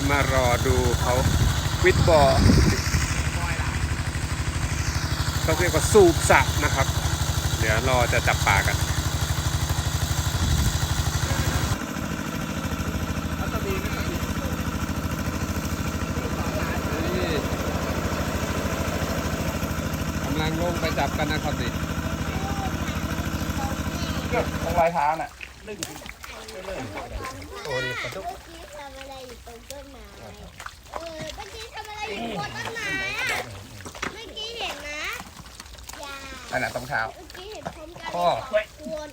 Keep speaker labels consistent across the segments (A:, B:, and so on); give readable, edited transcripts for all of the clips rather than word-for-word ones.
A: มารอดูเขาวิดบอร์เขาเรียกว่าสูบสระนะครับเดี๋ยวรอจะจับปลากันกำลังลงไปจับกันนะครับดิ
B: ตรงรอยเท้าน่ะ
A: โอ้ยปลาดุก
C: ทำอะไรอยู่ตรงต้นไม้เมื่อกี้ทำอะไรอยู่บนต้นไม้อะเมื่อกี้เห็นนะยา
B: อันนั้นตรงเท้า
C: เมื่อกี้เห็นพร้อมกัน
B: ข้อ
C: วน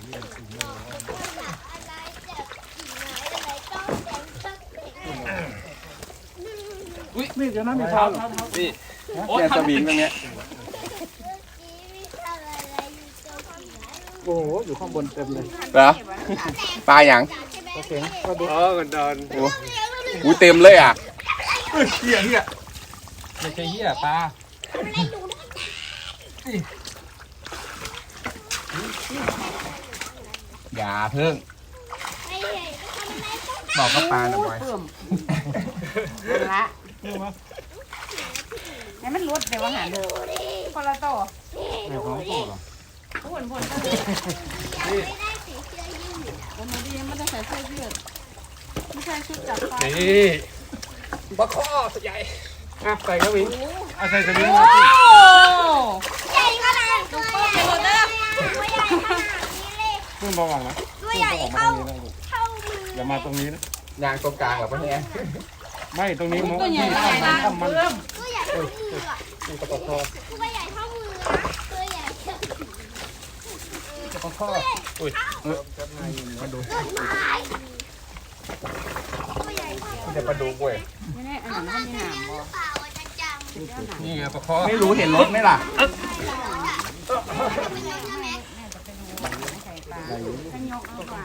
C: อะไรจับกิ่งไม้อะไรต้องแดงสักเด็ก
B: อุ้ยนี่เดี๋ยวนั้นมีเท้านี่เนี่ยจะวิ่งตรงเนี้ย
C: เมื่อกี้มีทำอะไรอยู่ตรงกิ่งไม้
B: โอ้โหอยู่ข้างบนเต็มเลยเหรอปลาอย่าง
C: โอเคก็ดู
A: กันดอน
B: โอ้เต็มเลยอ่ะเหี้ย
A: ไม่ใช่เหี้ยปลา
B: อย่าเพิ่งบอกกับปลาหน่อย
D: ละให้มันลดแต่ว่าหาเดิมคนละโต
B: ไม่ของโตหรอ
D: ผลก็
C: ไม่ได้สีเสื้อยืด
D: วันนี้ยังไม่ได้ใส่เสื้อยืดไม่ใช่ชุดจับปลา
A: นี่ปลาข้อใหญ่ใส่กระวิงใส่กระวิงมาสิ
C: ใหญ่ขนาดตัวใหญ่ตัวใหญ่ขนาดนี้เลย
A: พุ่งระวังนะ
C: ตัวใหญ่เท่ามือ
A: อย่ามาตรงนี้นะ
B: ยางตรงกลางกับพ่อเนี่ย
A: ไม่ตรงนี้มัน
D: ตัวใหญ่
A: ทำมัน
C: ตัวใหญ่เท่ามืออ่ะ
A: นี่กระปคอ
C: ตัวใหญ่เท่ามือตัวใหญ่ก
A: ระปคออุ้ย
B: มาดู
C: ต้นไม้ตัวใหญ่เท่ามือ
B: จะมาดูเว้ย
D: ไม่แน่อันนั้นมีหางบ่
A: นี่ไงปลาคอ
B: ไม่รู้เห็นรถไหมล่ะ
D: ถ้ายกเอาปลา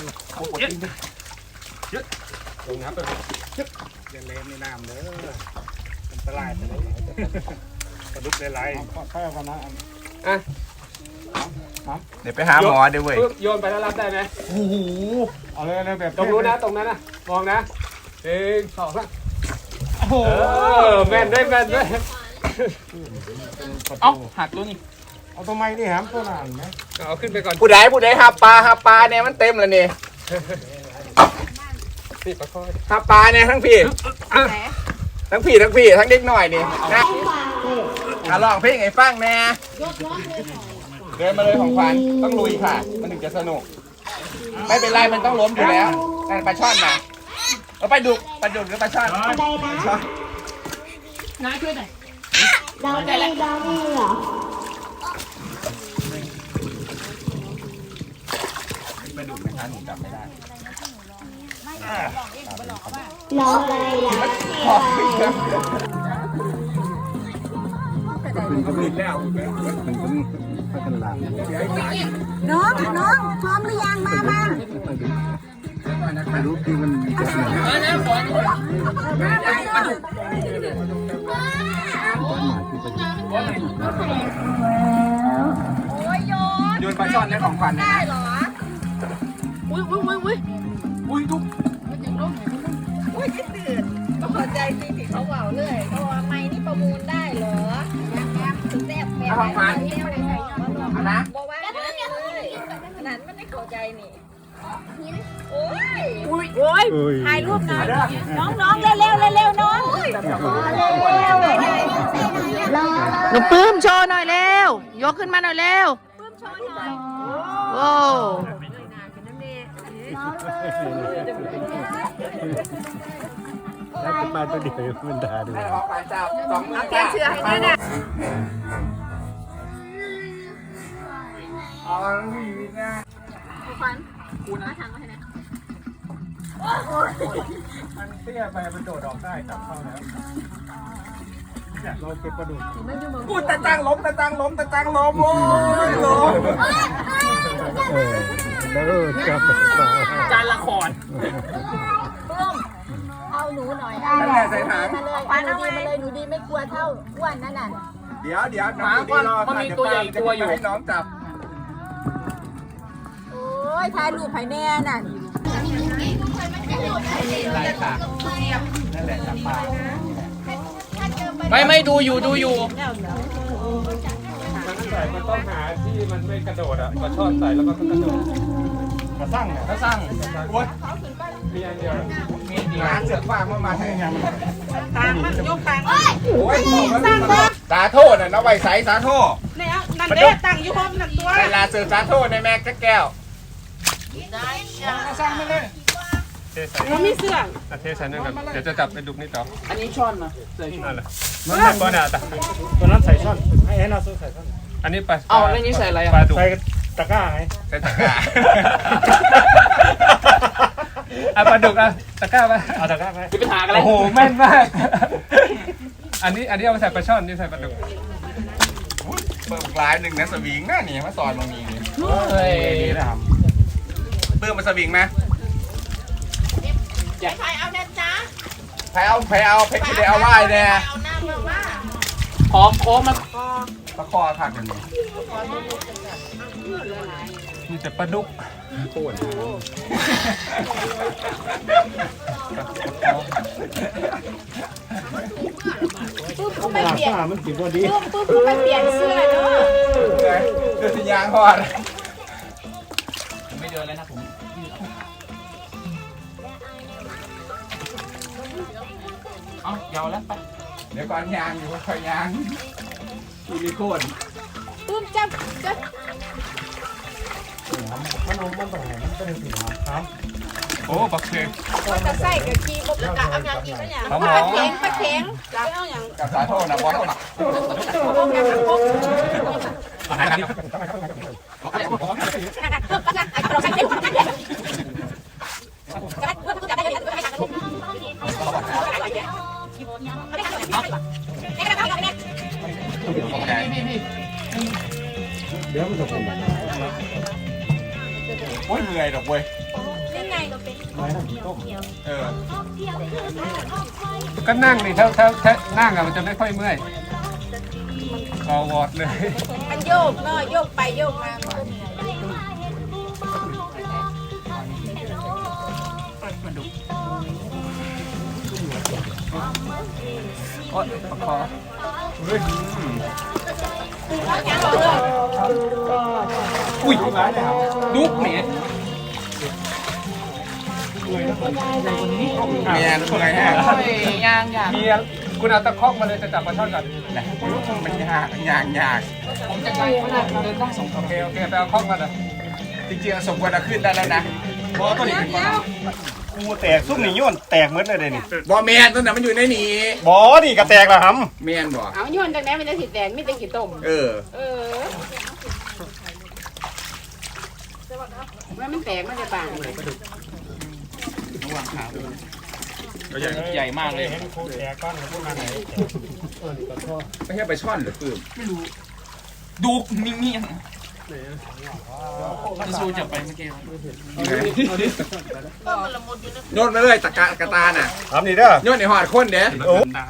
A: ลงน้ำไปอย่าเล่นในน้ำเลยอันตรายไปเลยปลาดุกได้ไรข้าวกันนะอ่ะ
B: เดี๋ยวไปหาหมอเดี๋ยวเว้ย
A: โยนไปแล้วรับได้ไหม
B: โอ้โห
A: เอาเลยแบบตรงนู้นนะตรงนั้นนะมองนะ1 2 3โอ้โหแม่นด้วย
B: เอาหักตัวนี้
A: เอาตัวไม้ดิแฮมตัวหนังไหมเอาขึ้นไปก่อน
B: ผู้ใดหาปลาเนี่ยมันเต็มแล้วนี่
A: นี่ปลาคอ
B: หาปลาเนี่ยทั้งพี่ทั้งเด็กหน่อยนี่นะลองเพลงไอ้ฟังแน่เดินมาเลยของขวัญต้องลุยค่ะมันถึงจะสนุกไม่เป็นไรมันต้องล้มอยู่แล้วแต่ปลาช่อนนะปลาดุกหรือปลาช่อน
D: น้าช่วยหน่อย
C: ดาวได้เหรอ
B: ปลาดุกนะคะหนูจำไม่ได้
C: ลองอะไรล่ะ
B: มันก็มีแล้วมันก็มีพัฒนา
C: น้องพร้อมหรือยังมา
B: รู้ที่มันจะเหนื่อยโยนปลาช่อนได้ของขวัญได้เหรอ
D: อุ้ย
B: ทุก
D: คิดตื่นก็พอใจจริงที่เขาเบาเลยเขาว่าไม่นี่ประมูลได้เหรอถึงแซ่บแม่
B: ของขวัญนะ
D: บอกว่าเลยขนาดไม่ได้เข้าใจนี่โอ้ยถ่ายรูปหน่อยน้องเร็วน้องหนูปื้มโชว์หน่อยเร็วยกขึ้นมาหน่อยเร็วปื้มโชว์หน่อยโอ้
A: แล้วจะมาตัวเดียวมันด่าด้วย
D: แกเชื่อให้ด้วยนะคุณมาทางมาให้นะ
A: มันเตี้ยไปมันโดดออกได้จับเข้าแล้วเราเก็บปลาดุก
B: กูตะจังล้มโอ้ยล้ม
A: จับ
B: การละคร
C: เอาหนูหน่อยได้
B: ใส่ถัง
C: มาเลยหนูดีไม่กลัวเท่าอ้วนนั่นน่ะ
B: เดี๋ยวน้องดีรอมันมีตัวใหญ่ตัวอยู่ให้น้องจับ
D: โอ้ยถ่ายรูปไผ่แน่น่ะ
B: นั่นแหละจับปลา
E: ไม่ดูอยู่
A: มันใส่มันต้องหาที่มันไม่กระโดดอ่ะปลาช่อนใส่แล้วมันก็กระโดดกระสั่งเนี่ย
B: ถ้าสั่งโอ๊ย
A: มีอันเดียว
B: มีร้านเสือกฟางมาให้ยัง
D: ทางมันยกทาง
B: โอ้ยสาโทษน่ะน้องใบใสสาโทษ
D: เนี่ยนั่นเด้ตั้งอยู่ห้องนั่นตัว
B: เวลาเสือกสาโทษในแม็กแก้ว
A: สั่งมาเลยเทใส่
D: มันมีเสื้อ
A: เทใส่นั่นกันเดี๋ยวจะจับไปดุกนี่ต่อ
E: อันนี้ช้อนนะใส่ช้อน
A: นั่นแหละมันก้อนอ่ะตัวนั้นใส่ช่อนให้เราใส่ช่อนอันนี้ปลา
E: เอาแล้วนี้ใส่อะไร
A: ปลา
E: อ่ะ
A: ดุกใส่ตะกร้าไง
B: ใส่ตะกร้า
A: ปลาดุกตะกร้าไปเอาตะกร้าไป
E: มีปัญหาอะไร
A: โอ้โหแม่นมากอันนี้เอาไปใส่ปลาช่อนนี่ใส่ปลาดุก
B: เปิดลายหนึ่งนะสวิงน่ะนี่มาสอนตรงนี้นี่
E: เฮ้ย
A: ดีนะครับ
B: เปิดมาสวิงไหม
D: ใครเอาเนี่ยจ้า
B: ใครเอาเพชรได้เอาไหว้แน่
D: เอาหน้ามาว่า
E: หอมโค้งมา
B: ตะคอขาดกันนี่
A: มีแต่ปลาดุก
B: โค่น
D: ปุ๊บเขาไปเปลี่ยน
A: มันกินพอดี
D: ปุ๊บเขาไปเปลี่ยนเสื้อเนาะ
B: เดือดยางพอด
E: ไม่เดินแล้วนะผมเอายาวแล้วไป
B: เดี๋ยวก่อนยางอยู่ค่อยยางมีโค่น
D: ปุ๊บจับ
A: โอ้บักเชง
D: มันจะใส่กับกีบแล้วก็เอาอย่างอีกก็อย่างปลาเข็งแล้วเอาอย่าง
B: กับสาโทษนะบอส
D: พวกอย่างพวก
A: เดี๋ยวมันจะเป็น
B: โอ้ยเหนื่อยดอกเว้ย
D: ยังไงก็เป็น
B: เออ
A: ก็นั่งนี่ถ้านั่งอะมันจะไม่ค่อยเมื่อยกอวอดเลย
D: มันโยกเนาะโยกไปโยกมา
E: โอ๊ยขอ
A: อุ้ยร้ายเลยครับ
E: ดุ๊กเนี่ย
B: เมียนเมื่อยแฮะ
E: โอ้ยยาง
A: เมียคุณเอาตะคอกมาเลยจะจับปลาช่อนก่อน
B: มันยากยาก
E: ผมจะไกลขนาดเดินต้องส่ง
A: โอเคไปเอาคอกมาเลย
B: จริงๆสมควรจะขึ้นได้แล้วนะ
A: บอตัวนี้เป็นกูแตกซุ่มนี่ย้อนแตกเหมือนเลยนี่
B: บอเมียนตัวนั้นมันอยู่ในนี้
A: บอนี่ก็แตกละครับ
B: เมียนบอ
D: เอาโยนจากไหนมันจะสีแดงไม่ได้กี่ต้ม
B: เออ
D: มันแตกมันจะบาง
E: ใหญ่มากเลย
A: เห็นครูแตกก้อนพวกนั้นไหน
B: ไม่ใช่ไปช่อนหรือปื้ม
E: ดุกนิ่งๆจะสู้จับไปเมื่อกี้
B: โยนมาเลยตะกระตาน่ะ
A: ทำนี่เด้อ
B: โยนในหอดคนเด้
A: โอ้
E: ได้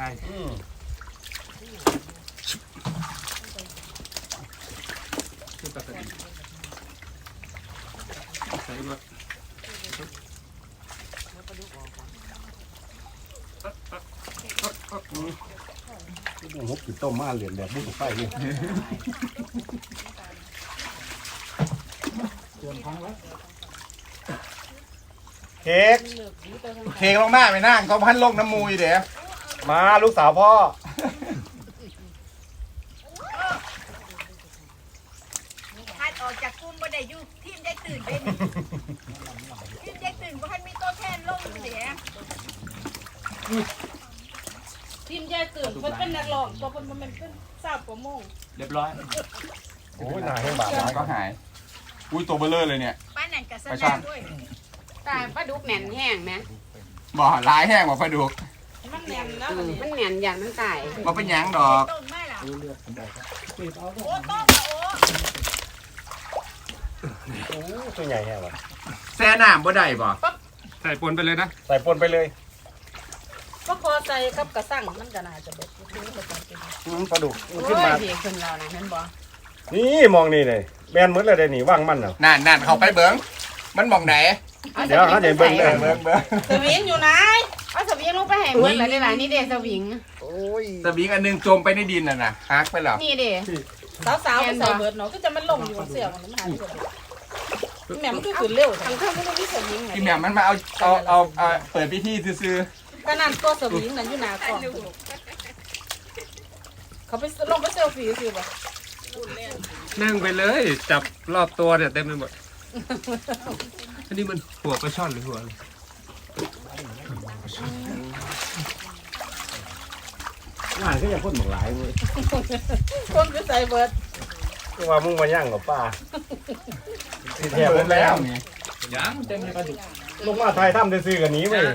A: หกต้มมาเหรียญแบบบุ้งไฟนี่เค้ก
B: เคงลงมาไปนั่งเขาพันลงน้ำมูยเด้
A: มาลูกสาวพ่อ
D: คัดออกจากกลุ่มบ่ได้อยู่ทีมได้ตื่นเป็นทีมได้ตื่นบ่ทันมีตัวแทนลงเสียทีมได้ตื่นเพิ่นเป็นนักร้องตัวเพิ่นบ่แม่นเป็นสาวประมง
E: เรียบร้อย
A: โอ้ยหนาแห้งบาด
B: ก็หาย อุ้ยตัวเบลเลอร์เลยเนี่ย
D: ป้านั่นก็แส
B: ไป
D: ด
B: ช่าง
D: งด้วยตายปลาดุกแหน่นแห้งนะ
B: บ่ลายแห้งบ่ไฟดุก
D: มันแหน่นแล้วมันแหน่นอย่างมันตาย
B: บ่เป็นหยังดอก
D: ต้นไม้ล่ะโอ้ต้นโอ้
A: ตัวใหญ่แห้งวะ
B: แซ่น้ำบ่ได้บ่
A: ใส่ปนไปเลยนะใส่ปนไปเลย
D: ก็พอใจกับกระสั่งมันก็น่าจะเบิด
A: ปลาดุก
D: โอ้
A: ขึ้นมาย
D: ดีขึ้นแล้วนะเห็นบ่
A: นี่มองนี่เลยแบนเหมือนเลยเดี๋ยวนี่ว่างมันเหรอ
B: นั่นเขาไปเบิ้งมันมองไหน
A: เดี๋ยวเขาจะเบิ้งเลย
B: เบิ้ง
D: สวิงอยู่ไหนเอาสวิ
F: นี่ลูกไปแห่เมื่อไรได้หลายนี่เดสวิง
B: สวิงอันหนึงจมไปในดินน่ะนะฮักไปแล้ว
F: นี่เด
D: สาวๆไปใส่เบิร์ดเนาะก็จะมันลงอยู่เสียมันหาที่แม่มันคือขึ้นเร็ว
F: ทางเข้าก็ต้องมีสวิง
B: พี่แหม่มมันมาเอาเปิดพิธีซื้อ
D: ก็นั่นตัวสวิงนั่นอยู่หน้ากล่องเขาไปลงไปเซลฟี่สิบ่
A: นั่งไปเลยจับรอบตัวเนี่ยเต็มไปหมดอันนี้มันหัวปลาช่อนหรือหัวอะไร
G: งานก็ยังคนหมกหลายเว้ย
D: คนคือใส่เบิร์ด
G: ก็ว่ามึงมาย่างกับป้า
B: ๆ
G: ที่แทบหมดแล้ว
B: นี่
E: ยังเต็มเลยปลาดุก
G: ลงมาไทยทำได้ซื้อกันนี้เว้ย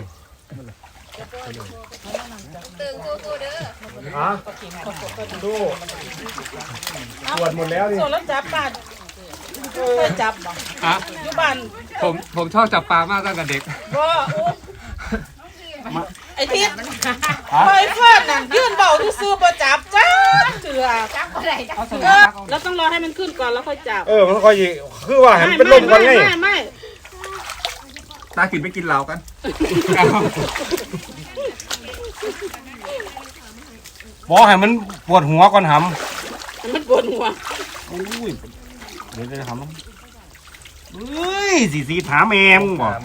C: ตึงกูเด้อ
G: ฮะดูตรวจหมดแล้วนี่
D: ส่วนแล้วจับปลาเคยจับบ่
A: อ่ะ
D: อยู่บ้าน
A: ผมชอบจับปลามากตั้งแต่เด็ก
D: บ่ไอ้ทิศคอยเฟิร์นน่ะยื่นเบาซื่อๆบ่จับจ้าเถื่อ
F: จับอะไรจับ
D: แล้วต้องรอให้มันขึ้นก่อนแล้วค่อยจับ
G: มันค่อยคือว่าเห็นเป็นลมกันไง
D: ไม่
B: ตากินไปกินเหล้ากัน
G: บอกให้มันปวดหัวก่อนห
D: มันปวดหัว
G: ำอุ้ยเดี๋ยวจะทำเฮ้ยสีถามแมมงบอก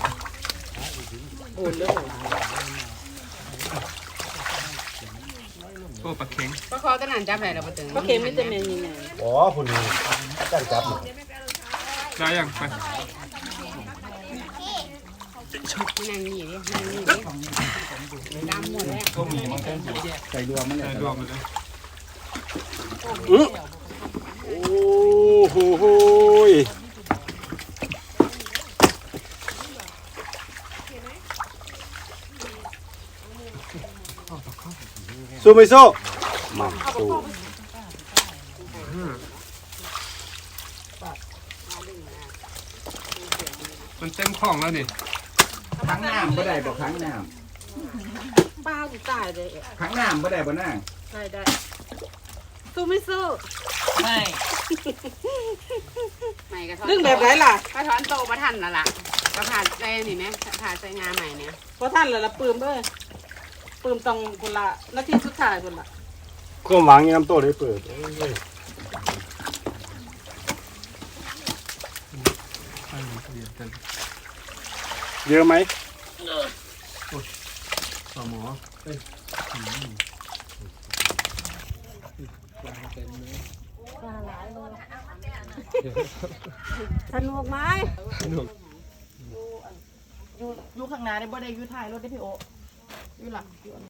A: โอ้ปลาเค็ง
F: ประคอตะนันจับอะไรเราไปตึง
D: ก็เค็มไม่จะเป็นยังไง
G: อ๋อคุณจ้างจับ
A: ได้ยังไป
F: นั่งนี่ดินั่งนี่ดิดำหมดแล้ว
B: ก็มีมันเป็นใส่รวมมันเลย
A: ใส่รวมไปเลย
G: โอ้โหสู้ไม่สู้มาสู้
A: มันเต็มคลองแล้วนี่
B: ครั้งน้ำบ่ได้บ่ครั้งน้
D: ป้ากูตายเลย
B: ำครั้งน้ำบ่ได้บ่นั่ง
D: ได้สู้ไม่สู้
E: ไม่
F: ไม่กระท้อน
D: เรื่องแบบไรล่ะ
F: กระท้อนโตประทันน่ะล่ะกระถาใส่นี่ไหมถาใส่งาใหม่เนี่ย
D: เพราะท่านเลยละปืมเลยปืมตรงคนละนาทีสุดท้ายคนละ
G: ก็หวังยังน้ำโต้ได้เปิดเยอะไหม
A: สมอ
D: สนุกไหม
A: สนุก
D: อยู่ข้างหน้าได้บ่ได้อยู่ท้ายรถได้พี่โออยู่หลัง